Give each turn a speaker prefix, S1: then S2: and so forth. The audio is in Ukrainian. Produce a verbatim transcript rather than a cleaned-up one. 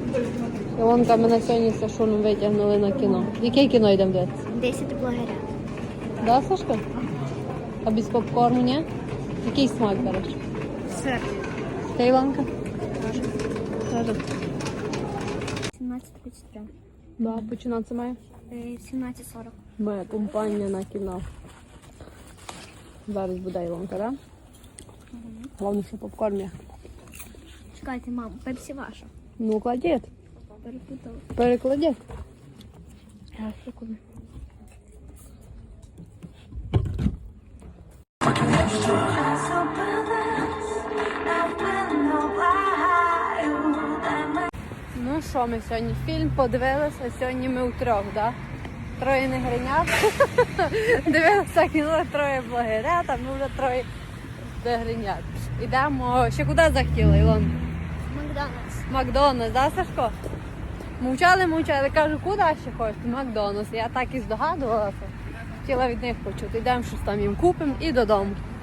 S1: Ілонка, ми на сьогодні з Сашуном витягнули на кіно. Яке кіно йдемо дивитися?
S2: Десять блогерів.
S1: Да, Сашка? А без попкорну, ні? Який смак береш?
S2: Сир.
S1: Ти, Ілонка? Теж.
S2: сімнадцять тридцять три.
S1: Да, починатися має?
S2: сімнадцять сорок.
S1: Моя компанія на кіно. Зараз буде Ілонка, так? Да?
S2: Угу.
S1: Головне, що попкорн є.
S2: Чекайте, мам, пепсі ваша.
S1: Ну, кладіть.
S2: Перепутала.
S1: Перекладіть.
S2: Так, секунду.
S1: Ну що, ми сьогодні фільм подивилися, сьогодні ми втрьох, да? Троє не гринят. Дивилися кіно, троє блогерят, а ми вже троє не гринят. Ідемо, ще куди захотіли, Ілон?
S2: Макдональдс.
S1: Макдональдс, да, Сашко? Мовчали, мовчали, кажу, куди ще хочете? Макдональдс. Я так і здогадувалася. Хотіла від них почути. Йдемо, щось там їм купимо і додому.